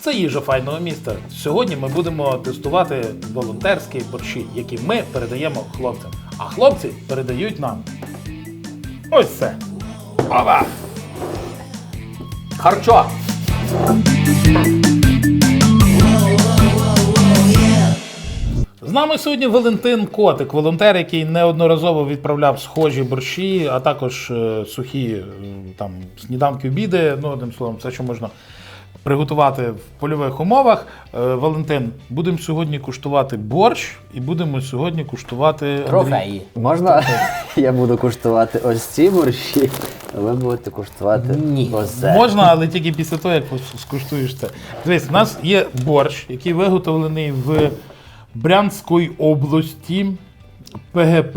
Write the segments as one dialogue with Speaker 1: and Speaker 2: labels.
Speaker 1: Це їжа файного міста. Сьогодні ми будемо тестувати волонтерські борщі, які ми передаємо хлопцям. А хлопці передають нам ось це. Ова!
Speaker 2: Харчо!
Speaker 1: З нами сьогодні Валентин Котик, волонтер, який неодноразово відправляв схожі борщі, а також сухі там сніданки, обіди, ну, одним словом, все, що можна приготувати в польових умовах. Валентин, будемо сьогодні куштувати борщ і будемо сьогодні куштувати
Speaker 2: Трофеї.
Speaker 3: Можна я буду куштувати ось ці борщі, а ви будете куштувати ось це?
Speaker 1: Можна, але тільки після того, як скуштуєш це. Дивись, у нас є борщ, який виготовлений в Брянської області, ПГП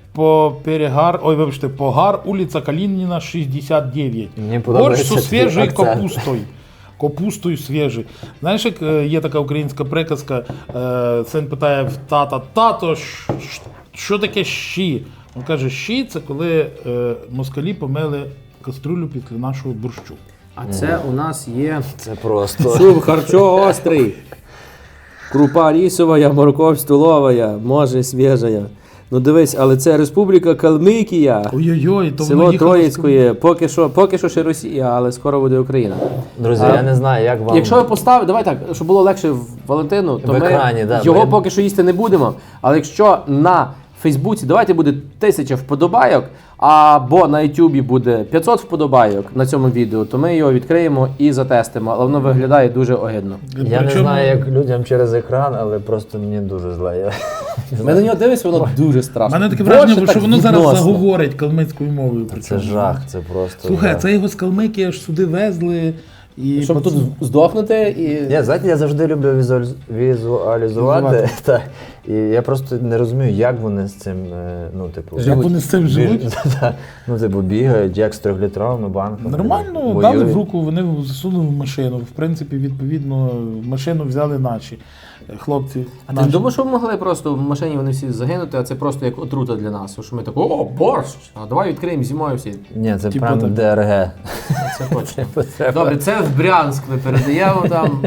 Speaker 1: Погар, вулиця Калініна, 69.
Speaker 3: Мені
Speaker 1: Борщ
Speaker 3: подобається
Speaker 1: зі свіжою
Speaker 3: твій акцент.
Speaker 1: капустою. Капустою свіжою. Знаєш, як є така українська приказка, син питає в тата: тато, що таке щі? Він каже, щі – це коли москалі помили каструлю після нашого борщу.
Speaker 2: А це у нас є
Speaker 3: Це просто.
Speaker 2: суп харчо острий. Крупа рисова, морков столова, може свіжа. Ну дивись, але це Республіка Калмикія.
Speaker 1: Ой-ой-ой, то воно
Speaker 2: Село
Speaker 1: їхало.
Speaker 2: Троїцької, поки що ще Росія, але скоро буде Україна.
Speaker 3: Друзі, я не знаю, як вам.
Speaker 2: Якщо ви поставите, давай так, щоб було легше Валентину, то
Speaker 3: В екрані,
Speaker 2: ми
Speaker 3: да,
Speaker 2: його
Speaker 3: ми-
Speaker 2: поки що їсти не будемо. Але якщо на Фейсбуці, давайте буде 1000 вподобайок, або на Ютубі буде 500 вподобайок на цьому відео, то ми його відкриємо і затестимо. Але воно виглядає дуже огидно.
Speaker 3: Я не знаю, як людям через екран, але просто мені дуже зле.
Speaker 2: Ми на нього дивимося, воно дуже
Speaker 1: У
Speaker 2: страшно.
Speaker 1: мене таке
Speaker 2: Боже,
Speaker 1: враження,
Speaker 2: так
Speaker 1: що воно зараз
Speaker 2: відносно.
Speaker 1: заговорить калмицькою мовою.
Speaker 3: Це
Speaker 1: причому.
Speaker 3: жах, це просто.
Speaker 1: Слухай,
Speaker 3: жах.
Speaker 1: це його з Калмики аж сюди везли. І
Speaker 2: Щоб тут здохнути і...
Speaker 3: Знаєте, я завжди люблю візуалізувати. Так. І я просто не розумію, як вони з цим, ну, типу...
Speaker 1: Як вони з цим живуть?
Speaker 3: Так. Ну, типу, бігають, як з 3-літровими банками.
Speaker 1: Нормально,
Speaker 3: воюють.
Speaker 1: дали в руку, вони засунули в машину. В принципі, відповідно, машину взяли наші хлопці.
Speaker 2: А ти
Speaker 1: наші.
Speaker 2: не думаєш, що ми могли просто в машині вони всі загинути, а це просто як отрута для нас? Що ми так, о, борщ! А давай відкриємо зимою всі.
Speaker 3: Ні, це
Speaker 1: Типу
Speaker 3: прям
Speaker 1: так.
Speaker 3: ДРГ.
Speaker 2: Це точно.
Speaker 3: Треба-
Speaker 2: Добре, це в Брянськ ми передаємо там.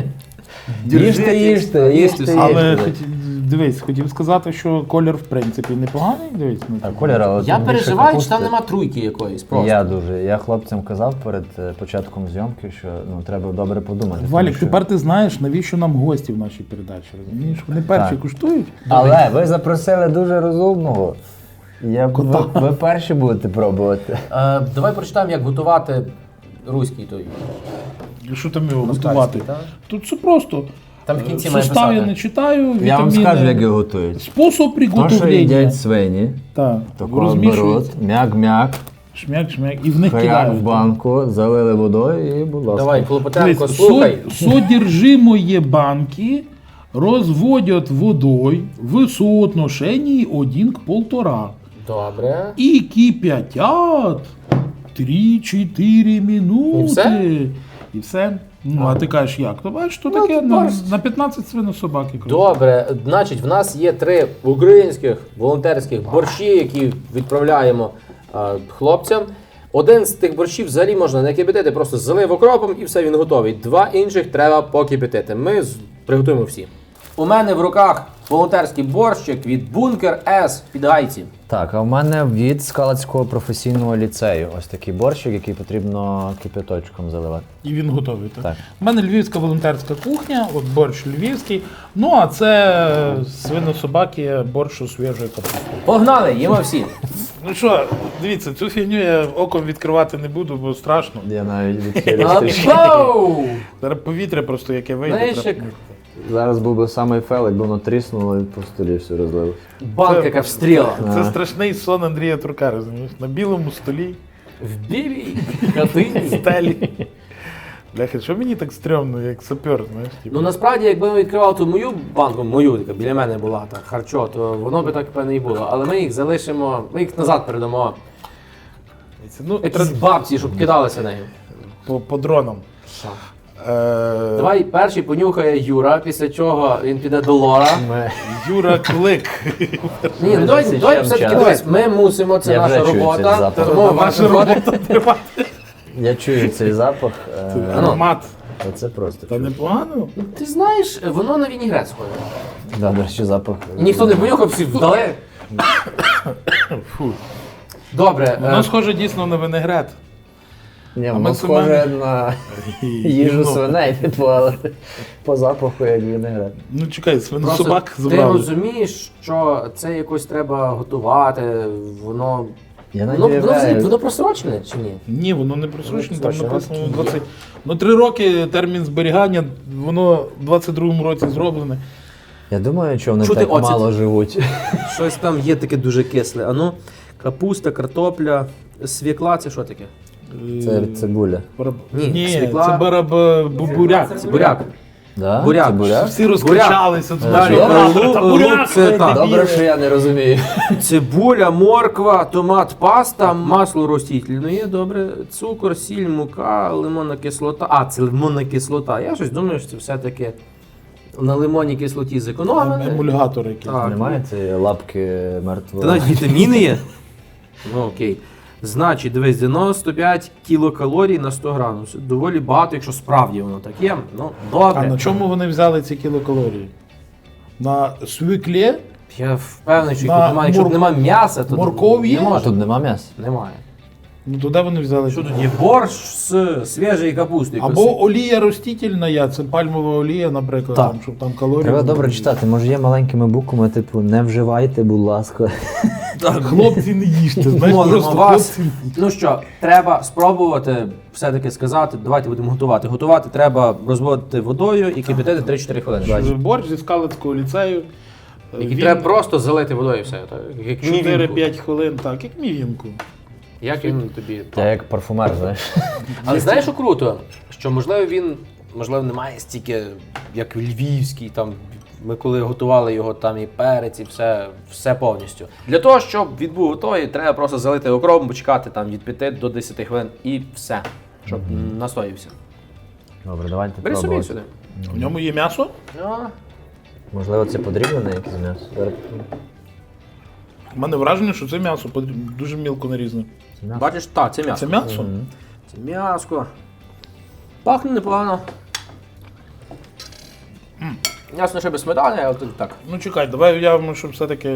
Speaker 3: Їжте.
Speaker 1: Але дивись, хотів сказати, що колір в принципі непоганий. Дивись, ну,
Speaker 3: А колір, але
Speaker 2: Я
Speaker 3: тут більше
Speaker 2: переживаю,
Speaker 3: капусти.
Speaker 2: що там нема трійки якоїсь просто.
Speaker 3: Я дуже. Я хлопцям казав перед початком зйомки, що ну, треба добре подумати. тому
Speaker 1: Валік,
Speaker 3: що-
Speaker 1: тепер ти знаєш, навіщо нам гості в нашій передачі, розумієш? Вони перші
Speaker 3: Так.
Speaker 1: куштують.
Speaker 3: Але ви запросили дуже розумного. Ви перші будете пробувати.
Speaker 2: Давай прочитаємо, як готувати руський той.
Speaker 1: Що там його
Speaker 2: Москальський,
Speaker 1: готувати?
Speaker 2: так?
Speaker 1: Тут все просто.
Speaker 2: Там в кінці має
Speaker 1: Сустав я
Speaker 2: писати.
Speaker 1: не читаю, вітаміни.
Speaker 3: Я вам скажу, як його готують.
Speaker 1: Спосіб
Speaker 3: То, що
Speaker 1: приготовлення.
Speaker 3: їдять свині,
Speaker 1: Так,
Speaker 3: такого
Speaker 1: розмішують,
Speaker 3: беруть, мяк-мяк,
Speaker 1: шмяк-шмяк, і в них
Speaker 3: хаяк
Speaker 1: кидають.
Speaker 3: в банку, залили водою і, будь ласка.
Speaker 2: Давай, Клопотенко,
Speaker 1: Дивись,
Speaker 2: слухай.
Speaker 1: содержимое банки розводять водою в соотношенні 1 к 1,5.
Speaker 2: Добре.
Speaker 1: І кипятять 3-4 минути.
Speaker 2: І все?
Speaker 1: І все. Ну, а ти кажеш, як? То бачиш, то таке на 15 свинособаки.
Speaker 2: Добре, значить, в нас є 3 українських волонтерських борщі, які відправляємо хлопцям. Один з тих борщів взагалі можна не кипятити, просто залив окропом і все, він готовий. 2 інших треба покипятити. Ми приготуємо всі. У мене в руках волонтерський борщик від Бункер С під Гайці.
Speaker 3: Так, а в мене від Скалацького професійного ліцею. Ось такий борщик, який потрібно кипяточком заливати.
Speaker 1: І він готовий. Так?
Speaker 3: Так.
Speaker 1: У мене львівська волонтерська кухня, от борщ львівський. Ну, а це свинособаки, борщ у свіжої капусти.
Speaker 2: Погнали, їмо всі.
Speaker 1: Ну що, дивіться, цю фігню я оком відкривати не буду, бо страшно.
Speaker 3: Я навіть відхилю.
Speaker 2: Гоу!
Speaker 1: Зараз повітря просто яке вийде.
Speaker 2: Знаєш,
Speaker 1: треба-
Speaker 2: як
Speaker 3: Зараз був би самий фел, якби воно тріснуло і по столі все розлило.
Speaker 2: банка яка встріла.
Speaker 1: Це страшний сон Андрія Турка, розумієш? На білому столі,
Speaker 2: В білій хатині.
Speaker 1: стелі. Бляха, що мені так стрьомно, як сапер, знаєш? Типу.
Speaker 2: Ну насправді, якби ми відкривали ту мою банку, яка біля мене була, так, харчо, то воно би так певне і було. Але ми їх залишимо, ми їх назад передамо.
Speaker 1: Ну,
Speaker 2: Якісь бабці, щоб кидалися нею.
Speaker 1: по дронам.
Speaker 2: Що? Давай перший понюхає Юра, після чого він піде до Лора.
Speaker 1: Юра Клик.
Speaker 2: Ні, ну давай все-таки
Speaker 3: час.
Speaker 2: дивись, ми мусимо, це
Speaker 3: Я
Speaker 2: наша
Speaker 3: вже чую цей
Speaker 2: робота.
Speaker 3: запах.
Speaker 2: Тому
Speaker 1: Наша робота тримати.
Speaker 3: Я чую цей запах.
Speaker 1: Аромат.
Speaker 3: Оце просто.
Speaker 1: Та непогано.
Speaker 2: Ну, ти знаєш, воно на вінігрет схоже.
Speaker 3: Да, до речі, запах.
Speaker 2: Ніхто не понюхав, всі вдали.
Speaker 1: Фу.
Speaker 2: Добре.
Speaker 1: Воно схоже дійсно на винегрет.
Speaker 3: Ні,
Speaker 1: ми
Speaker 3: воно
Speaker 1: з
Speaker 3: схоже
Speaker 1: Семеном-
Speaker 3: на їжу
Speaker 1: Ну,
Speaker 3: свиней, типу, але по запаху як вінегрет.
Speaker 1: Ну чекай,
Speaker 2: Просто
Speaker 1: собак
Speaker 2: ти
Speaker 1: забрали.
Speaker 2: розумієш, що це якось треба готувати, воно...
Speaker 3: Я
Speaker 2: Воно
Speaker 3: навіть
Speaker 2: просрочене чи ні?
Speaker 1: Ні, воно не присрочне, там
Speaker 2: Точно,
Speaker 1: написано
Speaker 2: є.
Speaker 1: 20. Ну 3 роки термін зберігання, воно в 22-му році зроблене.
Speaker 3: Я думаю, що вони
Speaker 2: Чути
Speaker 3: так
Speaker 2: оцет?
Speaker 3: мало живуть.
Speaker 2: Щось там є таке дуже кисле. А ну, капуста, картопля, свікла, це що таке?
Speaker 3: Це цибуля.
Speaker 2: Ні,
Speaker 1: Ні,
Speaker 2: свікла-
Speaker 1: це буряк.
Speaker 2: Це буряк.
Speaker 3: Да?
Speaker 2: Буряк.
Speaker 3: Це буряк?
Speaker 1: Всі розкричалися. туди,
Speaker 3: Далі,
Speaker 1: що,
Speaker 2: лу-
Speaker 1: «Та
Speaker 2: лук
Speaker 1: буряк,
Speaker 2: це
Speaker 1: ви
Speaker 2: так.
Speaker 1: дебіли».
Speaker 3: Добре, що я не розумію.
Speaker 2: Цибуля, морква, томат, паста, масло ростительне, добре, цукор, сіль, мука, лимонна кислота. А, це лимонна кислота. Я щось думаю, що це все-таки на лимонній кислоті зекономили.
Speaker 1: Емульгатор якийсь.
Speaker 2: Так.
Speaker 3: Немає цієї лапки мертвої?
Speaker 2: Та навіть вітаміни є. Ну окей. Значить, дивись, 95 кілокалорій на 100 грамів. Це доволі багато, якщо справді воно так є. Ну,
Speaker 1: А
Speaker 2: добре.
Speaker 1: на чому вони взяли ці кілокалорії? На свіклі?
Speaker 2: Я впевнений, що
Speaker 1: На
Speaker 2: якщо немає, якщо немає м'яса, то
Speaker 1: морков є?
Speaker 2: не
Speaker 3: А
Speaker 2: може.
Speaker 3: тут нема м'яса?
Speaker 2: Немає.
Speaker 1: Ну туди вони взяли.
Speaker 2: Що тут є? Борщ з свіжої капусти.
Speaker 1: Або олія ростительна, це пальмова олія, наприклад,
Speaker 3: Так.
Speaker 1: там, щоб там калорії.
Speaker 3: Треба
Speaker 1: були.
Speaker 3: добре читати. Може є маленькими буквами, типу, не вживайте, будь ласка.
Speaker 1: Хлопці не їжте, знаєш,
Speaker 2: Молимо
Speaker 1: просто
Speaker 2: вас.
Speaker 1: хлопці.
Speaker 2: Ну що, треба спробувати все-таки сказати, давайте будемо готувати. Готувати треба розводити водою і кипятити 3-4 хвилини.
Speaker 1: Борщ зі Скалицького ліцею.
Speaker 2: Який треба просто залити водою і все. Так? Як мівінку.
Speaker 1: 4-5 хвилин, так, як мівінку.
Speaker 2: Як він тобі?
Speaker 3: Я як парфумер, знаєш.
Speaker 2: Але знаєш, що круто? Що можливо він немає стільки, як львівський, там ми коли готували його, там і перець, і все повністю. Для того, щоб він був готовий, треба просто залити окропом, почекати там від 5 до 10 хвилин і все, щоб настоївся.
Speaker 3: Добре, давайте
Speaker 2: Бери собі
Speaker 3: пробувати.
Speaker 2: сюди.
Speaker 1: В ньому є м'ясо?
Speaker 3: Можливо, це подріблене якесь м'ясо? Зараз
Speaker 1: У мене враження, що це м'ясо дуже мілко нарізане.
Speaker 3: це м'ясо.
Speaker 2: Бачиш, так, це м'ясо.
Speaker 1: Це м'ясо?
Speaker 2: Це м'яско. Пахне непогано. Ясно, що без сметани, але тут так.
Speaker 1: Ну чекай, давай уявимо, що все-таки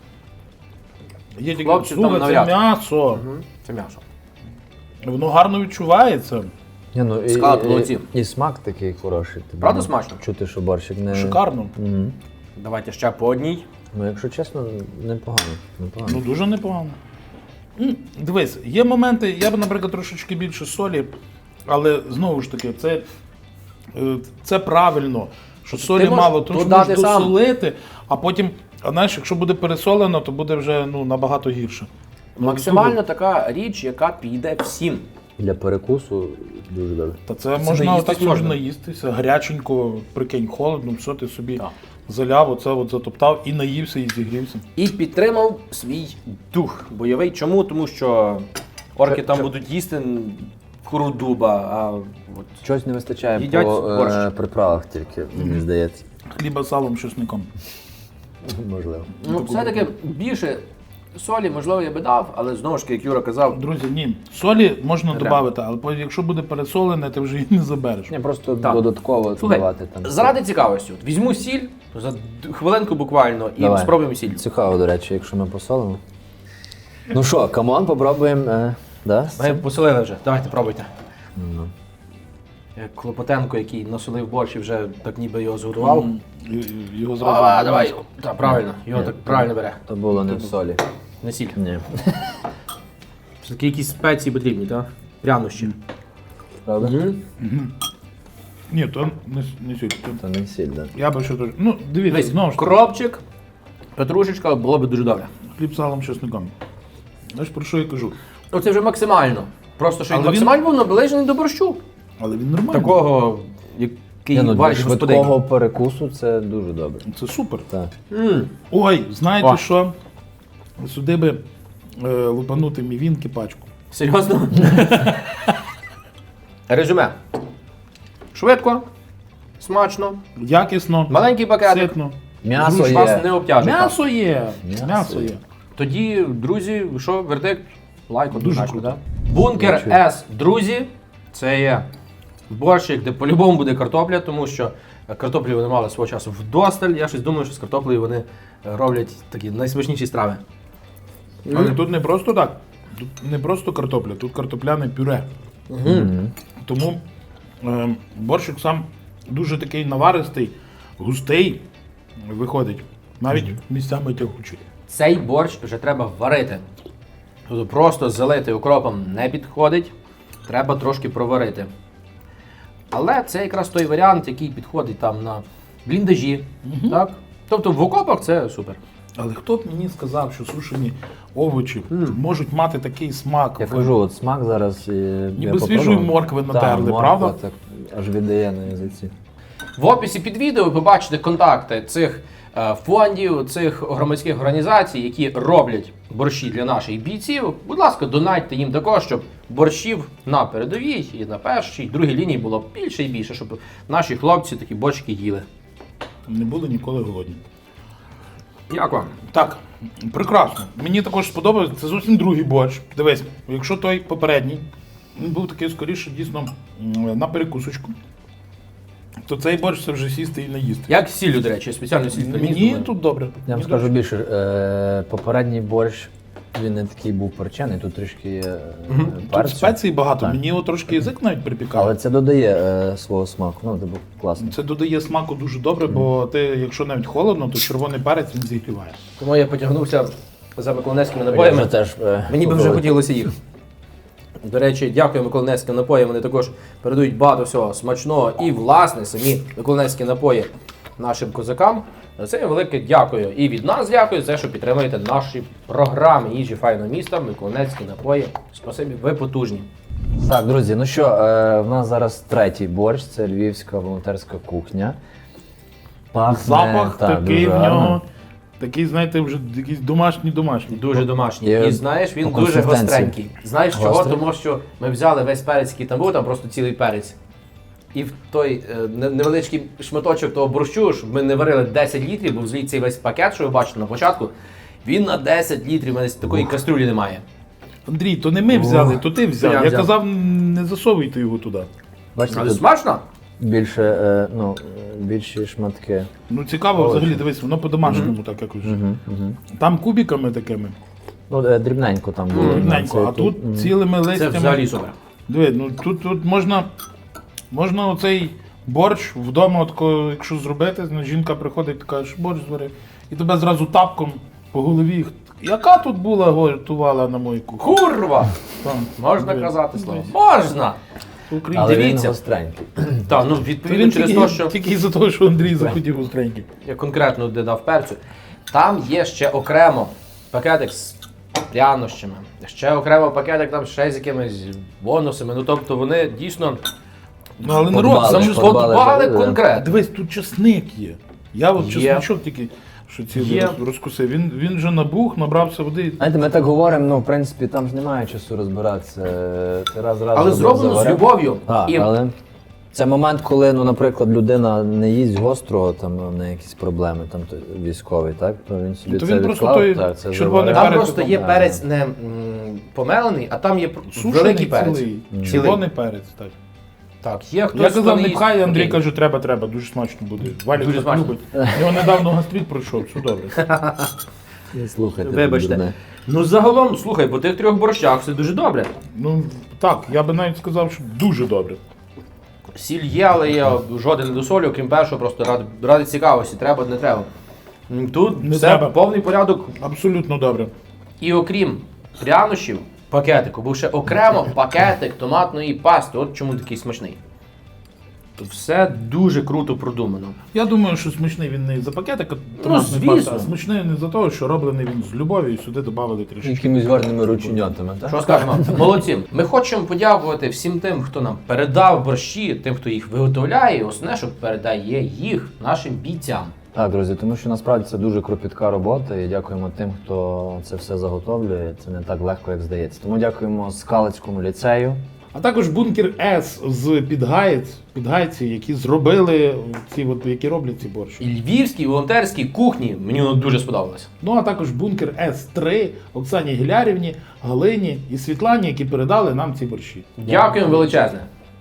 Speaker 1: є тільки
Speaker 2: Хлопці, там
Speaker 1: слухай, це
Speaker 2: навряд.
Speaker 1: м'ясо.
Speaker 2: Це м'ясо.
Speaker 1: Воно гарно відчувається.
Speaker 3: Ні, ну,
Speaker 2: Склад, молодці.
Speaker 3: і смак такий хороший. Тобі
Speaker 2: Правда
Speaker 3: ну,
Speaker 2: смачно?
Speaker 3: Чути, що борщик не...
Speaker 1: Шикарно.
Speaker 3: Мгм.
Speaker 2: Давайте ще по одній.
Speaker 3: Ну, якщо чесно, непогано. непогано.
Speaker 1: Ну дуже непогано. Дивись, є моменти, я б, наприклад, трошечки більше солі, але знову ж таки, це правильно, що солі
Speaker 2: можеш
Speaker 1: мало, тому що
Speaker 2: додати
Speaker 1: можеш
Speaker 2: сам.
Speaker 1: досолити, а потім, а знаєш, якщо буде пересолено, то буде вже набагато гірше.
Speaker 2: Максимально така річ, яка піде всім.
Speaker 3: Для перекусу дуже добре.
Speaker 1: Та це
Speaker 2: Це
Speaker 1: можна
Speaker 2: наїстись
Speaker 1: отак собі
Speaker 2: можна.
Speaker 1: наїстися, гаряченько, прикинь, холодно, все ти собі
Speaker 2: Так.
Speaker 1: заляв, оце от затоптав і наївся, і зігрівся.
Speaker 2: І підтримав свій дух бойовий. Чому? Тому що орки там будуть їсти куру дуба, а от
Speaker 3: Чогось не вистачає
Speaker 2: Їдять
Speaker 3: по
Speaker 2: борщ.
Speaker 3: приправах тільки, мені здається.
Speaker 1: Хліба з салом, чесником.
Speaker 3: Можливо.
Speaker 2: ну, все-таки більше солі, можливо, я би дав, але знову ж таки, як Юра казав,
Speaker 1: Друзі, ні, солі можна
Speaker 2: Не треба.
Speaker 1: додати, але якщо буде пересолене, ти вже її не забереш.
Speaker 3: Ні, просто
Speaker 2: Так.
Speaker 3: додатково
Speaker 2: слухай,
Speaker 3: додавати там.
Speaker 2: заради цікавості, от візьму сіль за хвилинку буквально і
Speaker 3: Давай.
Speaker 2: спробуємо сіль.
Speaker 3: Цікаво, до речі, якщо ми посолимо. Ну що, камон, попробуємо. Да?
Speaker 2: Ми посолили вже, давайте пробуйте.
Speaker 3: Ну.
Speaker 2: Як Клопотенко, який насолив борщ і вже так ніби його зготував.
Speaker 1: Його зразу.
Speaker 2: А, давай, так, правильно, його
Speaker 3: Ні,
Speaker 2: так правильно бере.
Speaker 3: То було не в солі.
Speaker 2: Не сіль.
Speaker 3: Ні.
Speaker 2: Все-таки якісь спеції потрібні, так? Прянощі.
Speaker 3: Правда?
Speaker 1: Ні, то не сіль. то-
Speaker 3: То не сіль, так.
Speaker 1: Я би ще теж. Ну, дивіться,
Speaker 2: Дивись,
Speaker 1: знову ж таки,
Speaker 2: кропчик, петрушечка було б дуже добре.
Speaker 1: хліб з салом, чесником. Знаєш, про що я кажу?
Speaker 2: Ну це вже максимально. Просто що він
Speaker 1: Але він-
Speaker 2: максимально був наближений до борщу.
Speaker 1: Але він нормальний.
Speaker 2: Такого, який
Speaker 3: Ні, ну, для
Speaker 2: варить господині.
Speaker 3: швидкого перекусу це дуже добре.
Speaker 1: Це супер.
Speaker 3: Так.
Speaker 1: Ой, знаєте
Speaker 2: О.
Speaker 1: що? Сюди би лупанути мівінки пачку.
Speaker 2: Серйозно? Резюме. Швидко, смачно,
Speaker 1: Якісно,
Speaker 2: маленький пакетик.
Speaker 1: ситно.
Speaker 3: М'ясо
Speaker 2: Ж вас
Speaker 3: є.
Speaker 2: не обтяжить.
Speaker 1: М'ясо є.
Speaker 3: М'ясо
Speaker 1: М'ясо
Speaker 3: є.
Speaker 1: є.
Speaker 2: Тоді, друзі, що, вердикт? Лайк
Speaker 1: Дуже
Speaker 2: однозначно,
Speaker 1: круто.
Speaker 2: так? Бункер
Speaker 3: Дякую.
Speaker 2: С, друзі, це є борщик, де по-любому буде картопля, тому що картоплі вони мали свого часу вдосталь. Я щось думаю, що з картоплею вони роблять такі найсмачніші страви.
Speaker 1: Але тут не просто так. Тут не просто картопля, тут картопляне пюре. Тому борщик сам дуже такий наваристий, густий виходить. Навіть місцями тягучий.
Speaker 2: Цей борщ вже треба варити. Тобто просто залити укропом не підходить, треба трошки проварити. Але це якраз той варіант, який підходить там на бліндажі. Так? Тобто в окопах це супер.
Speaker 1: Але хто б мені сказав, що сушені овочі можуть мати такий смак?
Speaker 3: Я кажу, от смак зараз.
Speaker 1: Ніби свіжої моркви натерли, правда?
Speaker 3: Так, аж віддає на язиці.
Speaker 2: В описі під відео ви побачите контакти цих фондів, цих громадських організацій, які роблять борщі для наших бійців. Будь ласка, донатьте їм також, щоб борщів на передовій і на першій, другій лінії було більше і більше, щоб наші хлопці такі борщики їли.
Speaker 1: Не були ніколи голодні.
Speaker 2: Як вам?
Speaker 1: Так, прекрасно. Мені також сподобалось, це зовсім другий борщ. Дивись, якщо той попередній, він був такий скоріше дійсно на перекусочку, то цей борщ це вже сісти і не їсти.
Speaker 2: Як з сіллю, до речі, спеціально сіль приніс.
Speaker 1: Мені тут добре.
Speaker 3: Я вам
Speaker 1: Мені
Speaker 3: скажу
Speaker 1: добре.
Speaker 3: більше, попередній борщ, він не такий був перчений, тут трішки є
Speaker 1: Тут
Speaker 3: перцю.
Speaker 1: спецій багато,
Speaker 3: Так.
Speaker 1: мені його трошки язик навіть припікав.
Speaker 3: Але це додає свого смаку, ну це був класно.
Speaker 1: Це додає смаку дуже добре, бо ти, якщо навіть холодно, то червоний перець він зігріває.
Speaker 2: Тому я потягнувся за миколаївськими
Speaker 3: Я
Speaker 2: напоями.
Speaker 3: вже теж,
Speaker 2: Мені би вже
Speaker 3: попробую.
Speaker 2: хотілося їх. До речі, дякую миколаївським напоям. Вони також передають багато всього смачного і, власне, самі миколаївські напої нашим козакам. За це велике дякую. І від нас дякую за те, що підтримуєте наші програми їжі файного міста, миколаївські напої. Спасибі, ви потужні.
Speaker 3: Так, друзі, ну що, в нас зараз третій борщ, це львівська волонтерська кухня. Пахне,
Speaker 1: Запах
Speaker 3: так,
Speaker 1: такий
Speaker 3: дуже
Speaker 1: в нього,
Speaker 3: гарно.
Speaker 1: такий, знаєте, вже якийсь домашній.
Speaker 2: Дуже домашній.
Speaker 3: Є
Speaker 2: І знаєш, він
Speaker 3: по
Speaker 2: дуже
Speaker 3: консистенції.
Speaker 2: гостренький. Знаєш чого?
Speaker 3: Гострий.
Speaker 2: Тому що ми взяли весь перець, який там був, там просто цілий перець. І в той невеличкий шматочок того борщу, щоб ми не варили 10 літрів, бо взагалі цей весь пакет, що ви бачите на початку, він на 10 літрів, у мене такої кастрюлі немає.
Speaker 1: Андрій, то не ми взяли, то ти взяв.
Speaker 2: Я
Speaker 1: Я
Speaker 2: взяв.
Speaker 1: казав, не засовуйте його туди.
Speaker 3: Бачите,
Speaker 2: Але
Speaker 3: тут
Speaker 2: смачно?
Speaker 3: більше, більші шматки.
Speaker 1: Ну цікаво, взагалі, дивись, воно по-домашньому так якось. Там кубиками такими,
Speaker 3: Ну, дрібненько там було.
Speaker 1: дрібненько, а тут цілими
Speaker 2: Це
Speaker 1: листями.
Speaker 2: взагалі супер.
Speaker 1: Диви, ну тут можна оцей борщ вдома, от, якщо зробити, жінка приходить, каже, борщ зварив, і тебе зразу тапком по голові. Яка тут була готувала на мою кухню?
Speaker 2: Курва!
Speaker 1: Там,
Speaker 2: Можна
Speaker 1: диви,
Speaker 2: казати слово?
Speaker 1: дивись.
Speaker 2: Можна!
Speaker 1: Українці.
Speaker 3: Але він
Speaker 2: Дивіться.
Speaker 3: гостренький.
Speaker 2: Так, ну
Speaker 1: Він
Speaker 2: відповідно через те, що
Speaker 1: тільки із-за того, що Андрій захотів гостренький.
Speaker 2: я конкретно додав перцю, там є ще окремо пакетик з прянощами, ще окремо пакетик там ще з якимись бонусами. Ну тобто вони дійсно
Speaker 1: Ну але
Speaker 3: Подбали,
Speaker 1: народ,
Speaker 3: подбали.
Speaker 2: подбали
Speaker 3: да.
Speaker 2: конкретно.
Speaker 1: дивись, тут чесник є. Я от
Speaker 2: Є.
Speaker 1: чесничок тільки що цілий
Speaker 2: Є.
Speaker 1: розкусив. Він вже набух, набрався води.
Speaker 3: Знаєте, ми так говоримо, ну, в принципі, там ж немає часу розбиратися. Ти раз
Speaker 2: Але зроблено з
Speaker 3: заварив.
Speaker 2: любов'ю.
Speaker 3: Так,
Speaker 2: І
Speaker 3: але це момент, коли, ну, наприклад, людина не їсть гострого, там в неї якісь проблеми, там військовий, так? То він собі
Speaker 1: То
Speaker 3: це
Speaker 1: він просто
Speaker 3: відклав,
Speaker 1: той
Speaker 3: так, це
Speaker 1: червоний
Speaker 3: заварив.
Speaker 2: там
Speaker 1: перець
Speaker 2: просто
Speaker 1: там,
Speaker 2: є
Speaker 3: да.
Speaker 2: перець не помелений, а там є
Speaker 1: Сушений
Speaker 2: великий перець.
Speaker 1: цілий.
Speaker 2: Цілий.
Speaker 1: Червоний перець, так.
Speaker 2: Так, є хтось,
Speaker 1: Я
Speaker 2: хто
Speaker 1: казав,
Speaker 2: не
Speaker 1: не
Speaker 2: їсть.
Speaker 1: пхай, Андрій
Speaker 2: Окей.
Speaker 1: каже, треба, дуже смачно буде. Валік
Speaker 2: Дуже
Speaker 1: так
Speaker 2: смачно.
Speaker 1: любить. Його недавно гастрит пройшов, все добре.
Speaker 3: Слухайте,
Speaker 2: Вибачте.
Speaker 3: дурне.
Speaker 2: Ну загалом, слухай, по тих трьох борщах все дуже добре.
Speaker 1: Ну так, я би навіть сказав, що дуже добре.
Speaker 2: Сіль є, але я жоден не досолю, крім першого, просто ради цікавості, треба, не треба. Тут
Speaker 1: Не
Speaker 2: все
Speaker 1: треба.
Speaker 2: повний порядок.
Speaker 1: Абсолютно добре.
Speaker 2: І окрім прянощів, пакетику, був ще окремо пакетик томатної пасти. От чому такий смачний. Тут все дуже круто продумано.
Speaker 1: Я думаю, що смачний він не за пакетик,
Speaker 2: звісно.
Speaker 1: а смачний не за те, що роблений він з любов'ю і сюди додали трішки.
Speaker 3: Якимись гарними рученятами, так?
Speaker 2: Що скажемо? Молодці. Ми хочемо подякувати всім тим, хто нам передав борщі, тим, хто їх виготовляє, і основне, що передає їх нашим бійцям.
Speaker 3: Так, друзі, тому що насправді це дуже кропітка робота, і дякуємо тим, хто це все заготовлює. Це не так легко, як здається. Тому дякуємо Скалицькому ліцею.
Speaker 1: А також бункер С з Підгайці, які зробили ці, от, які роблять ці борщі.
Speaker 2: І львівській волонтерській кухні мені воно дуже сподобалося.
Speaker 1: Ну а також бункер С3 Оксані Гілярівні, Галині і Світлані, які передали нам ці борщі.
Speaker 2: Дякуємо величезне.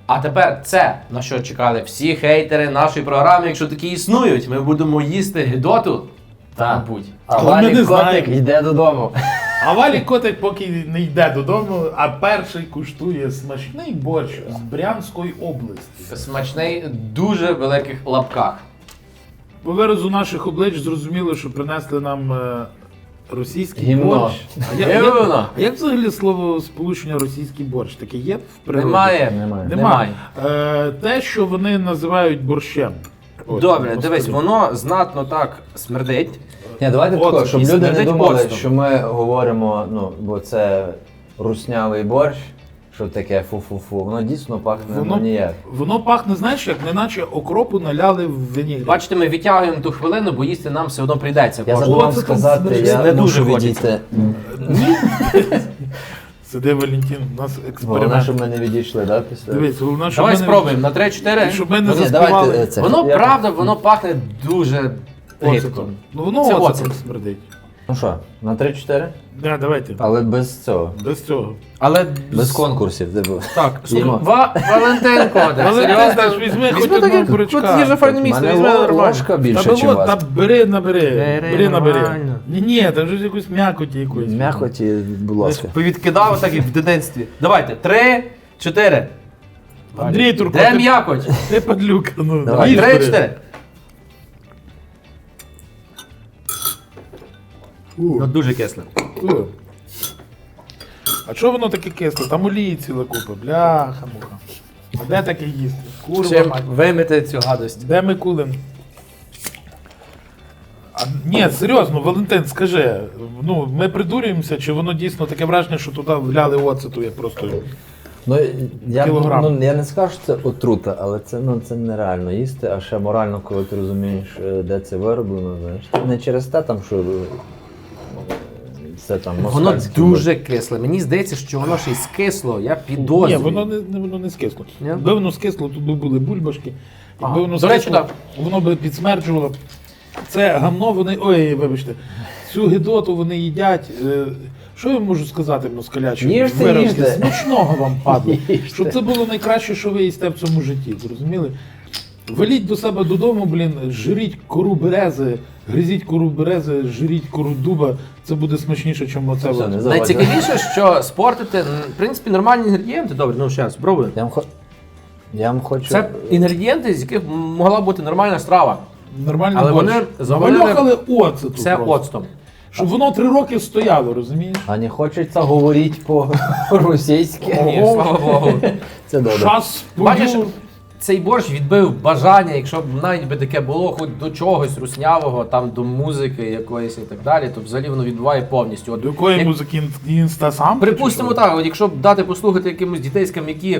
Speaker 2: А тепер це, на що чекали всі хейтери нашої програми, якщо такі існують. Ми будемо їсти гидоту, мабуть.
Speaker 3: А
Speaker 1: Але ми
Speaker 3: Валік
Speaker 1: не
Speaker 3: Котик
Speaker 1: знаємо.
Speaker 3: йде додому.
Speaker 1: А Валік Котик поки не йде додому, а перший куштує смачний борщ з Брянської області.
Speaker 2: Смачний, дуже великих лапках.
Speaker 1: По виразу наших облич зрозуміло, що принесли нам російський
Speaker 3: Гімно.
Speaker 1: борщ.
Speaker 2: Гімно.
Speaker 1: А як взагалі слово сполучення російський борщ? Таке є в природі?
Speaker 2: Немає.
Speaker 3: Немає.
Speaker 1: Немає. Те, що вони називають борщем. Ось,
Speaker 2: Добре,
Speaker 1: господи.
Speaker 2: дивись, воно знатно так смердить.
Speaker 3: Ні, давайте
Speaker 1: Оцет.
Speaker 3: тако, щоб
Speaker 2: І
Speaker 3: люди не
Speaker 2: смердить
Speaker 3: думали,
Speaker 2: оцтом.
Speaker 3: що ми говоримо, ну, бо це руснявий борщ, що таке фу-фу-фу. Воно дійсно пахне
Speaker 1: Воно-
Speaker 3: ніяк.
Speaker 1: Воно пахне, знаєш, як неначе окропу наляли в вінігрі.
Speaker 2: Бачите, ми відтягуємо ту хвилину, бо їсти нам все одно прийдеться.
Speaker 3: Я
Speaker 2: Кожного.
Speaker 3: забув вам
Speaker 1: Оце там
Speaker 3: сказати,
Speaker 1: смердить.
Speaker 3: я
Speaker 2: Не дуже
Speaker 3: мушу
Speaker 2: хочеться.
Speaker 3: відійти.
Speaker 1: Сиди, Валентин, у нас
Speaker 3: Головне,
Speaker 1: експеримент.
Speaker 3: щоб ми не відійшли, да, після?
Speaker 1: Дивись, головне, щоб
Speaker 2: Давай
Speaker 1: ми не-
Speaker 2: спробуємо на 3-4.
Speaker 1: Щоб ми не
Speaker 3: Ну, ні,
Speaker 1: заспівали.
Speaker 3: давайте це.
Speaker 2: Воно
Speaker 3: Я-
Speaker 2: правда, воно пахне дуже гидко.
Speaker 1: Оцетом. Ну воно
Speaker 2: Це
Speaker 1: оцетом
Speaker 2: оцет.
Speaker 1: смердить.
Speaker 3: Ну що, на 3-4?
Speaker 1: Да, давайте.
Speaker 3: Але без цього.
Speaker 1: Без цього.
Speaker 2: Але
Speaker 3: Без конкурсів, типу.
Speaker 2: так,
Speaker 3: Їмо.
Speaker 2: Валентин Кодик,
Speaker 1: Але ти
Speaker 2: серйозно?
Speaker 1: ж візьми хоч
Speaker 2: Візьми так,
Speaker 1: одного
Speaker 2: як
Speaker 1: бурячка.
Speaker 2: тут є же файне
Speaker 3: У
Speaker 2: місце,
Speaker 3: мене
Speaker 2: візьми нормально.
Speaker 3: ложка більше,
Speaker 1: Та
Speaker 3: ніж
Speaker 1: було,
Speaker 3: у вас.
Speaker 1: та набери. Бери, набери.
Speaker 2: нормально.
Speaker 1: Ні, там вже якусь м'якоті якоїсь.
Speaker 3: М'якоті, будь ласка.
Speaker 2: Повідкидав так, як в дитинстві. Давайте, 3-4.
Speaker 1: Андрій Турко,
Speaker 2: Де
Speaker 1: ти-
Speaker 2: м'якоть?
Speaker 1: ти падлюка. Ну,
Speaker 3: Давай,
Speaker 1: їж, бери.
Speaker 2: 3-4.
Speaker 1: У,
Speaker 2: Дуже кисле.
Speaker 1: у. А чого воно таке кисле? Там олії ціла купа. Бляха-муха. А де таке їсти? Курва
Speaker 2: Чим
Speaker 1: мать.
Speaker 2: вимити цю гадость?
Speaker 1: Де Микулин? А, ні, серйозно, Валентин, скажи, ну ми придурюємося, чи воно дійсно таке враження, що туди вляли оцету, як просто.
Speaker 3: Ну, я,
Speaker 1: Кілограм.
Speaker 3: ну, я не скажу, що це отрута, але це, ну, це нереально їсти, а ще морально, коли ти розумієш, де це вироблено, знаєш. Не через те, там, що це там
Speaker 2: Воно
Speaker 3: москальський
Speaker 2: дуже кисле. Мені здається, що воно ще й скисло. Я підозрюю.
Speaker 1: Ні, воно не скисло.
Speaker 2: Ні?
Speaker 1: Якби воно скисло, тут би були бульбашки.
Speaker 2: Ага.
Speaker 1: Якби воно
Speaker 2: До речі,
Speaker 1: скисло,
Speaker 2: так.
Speaker 1: воно би підсмерджувало. Це гамно вони. Ой, вибачте, цю гидоту вони їдять. Що я можу сказати, москалячі?
Speaker 3: Їжте,
Speaker 1: виразки?
Speaker 3: їжте.
Speaker 1: Смачного вам падло.
Speaker 3: Їжте.
Speaker 1: Щоб це було найкраще, що ви їсте в цьому житті. Зрозуміли? Веліть до себе додому, блін, жріть кору берези, гризіть кору берези, жріть кору дуба. Це буде смачніше, ніж оце.
Speaker 3: Все,
Speaker 1: от.
Speaker 3: не заводь.
Speaker 2: Найцікавіше, що спортити, в принципі, нормальні інгредієнти. Добре, ну ще раз, спробуємо.
Speaker 3: Я вам хочу...
Speaker 2: Це інгредієнти, з яких могла бути нормальна страва.
Speaker 1: Нормальний
Speaker 2: Але
Speaker 1: борщ.
Speaker 2: вони завалили
Speaker 1: Навалюхали оцету
Speaker 2: Все
Speaker 1: просто.
Speaker 2: оцтом.
Speaker 1: Щоб воно 3 роки стояло, розумієш?
Speaker 3: А не хочеться говорити по-російськи.
Speaker 2: Ні, слава Богу.
Speaker 3: Це добре.
Speaker 1: Час
Speaker 2: Бачиш,
Speaker 1: пою.
Speaker 2: цей борщ відбив бажання, якщо б навіть би таке було, хоч до чогось руснявого, там до музики якоїсь і так далі, то взагалі воно відбуває повністю. От,
Speaker 1: До якої
Speaker 2: як-
Speaker 1: музики інстасам?
Speaker 2: Припустимо так, от якщо б дати послухати якимось дітейським, які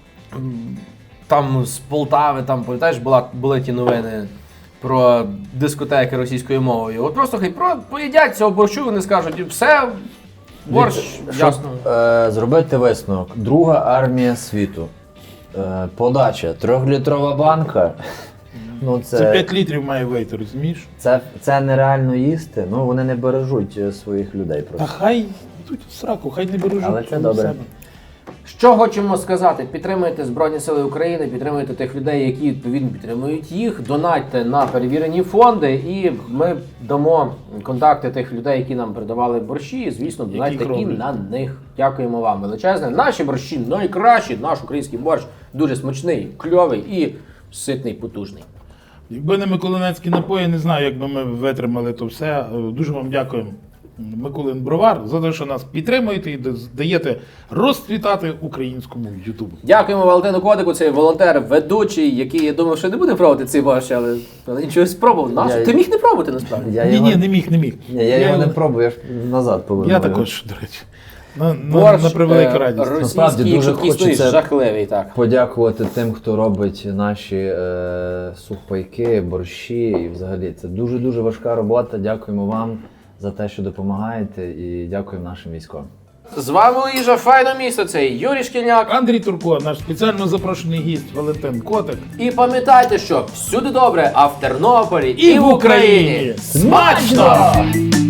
Speaker 2: там з Полтави, там пам'ятаєш, були ті новини про дискотеки російською мовою. От просто хай поїдять цього борщу, вони скажуть, все, борщ, ясно.
Speaker 3: Зробити висновок. Друга армія світу. Подача. 3-літрова банка. Ну,
Speaker 1: Це 5 літрів має вийти, розумієш?
Speaker 3: це нереально їсти. Ну, вони не бережуть своїх людей
Speaker 1: Та
Speaker 3: просто.
Speaker 1: хай йдуть в сраку, хай не бережуть.
Speaker 3: Але це добре.
Speaker 1: себе.
Speaker 2: Що хочемо сказати? Підтримуйте Збройні Сили України, підтримуйте тих людей, які відповідно підтримують їх, донатьте на перевірені фонди, і ми дамо контакти тих людей, які нам передавали борщі, і, звісно, донатьте і
Speaker 1: роблять.
Speaker 2: на них. Дякуємо вам величезне. Наші борщі найкращі, наш український борщ дуже смачний, кльовий і ситний, потужний.
Speaker 1: Якби не Миколинецькі напої, не знаю, як би ми витримали то все. Дуже вам дякуємо, Миколин Бровар, за те, що нас підтримуєте і даєте розцвітати українському Ютубу.
Speaker 2: Дякуємо Валентину Кодику, цей волонтер, ведучий, який, я думав, що не буде пробувати цей борщ, але нічого спробував.
Speaker 3: Я-
Speaker 2: Ти міг не пробувати, насправді.
Speaker 1: Ні, не міг.
Speaker 3: Ні, я його не пробую, я ж назад поверну.
Speaker 1: Я також, до речі. На
Speaker 2: Борщ
Speaker 1: превелику радість.
Speaker 3: Насправді,
Speaker 2: російський,
Speaker 3: дуже
Speaker 2: якщо існує,
Speaker 3: хочеться
Speaker 2: жахливий, так.
Speaker 3: Подякувати тим, хто робить наші сухпайки, борщі і взагалі. Це дуже-дуже важка робота. Дякуємо вам за те, що допомагаєте, і дякуємо нашим військовим.
Speaker 2: З вами Ліжа, файне місто, це Юрій Шкільняк.
Speaker 1: Андрій Турко, наш спеціально запрошений гість Валентин Котик.
Speaker 2: І пам'ятайте, що всюди добре, а в Тернополі і в Україні
Speaker 1: Смачно!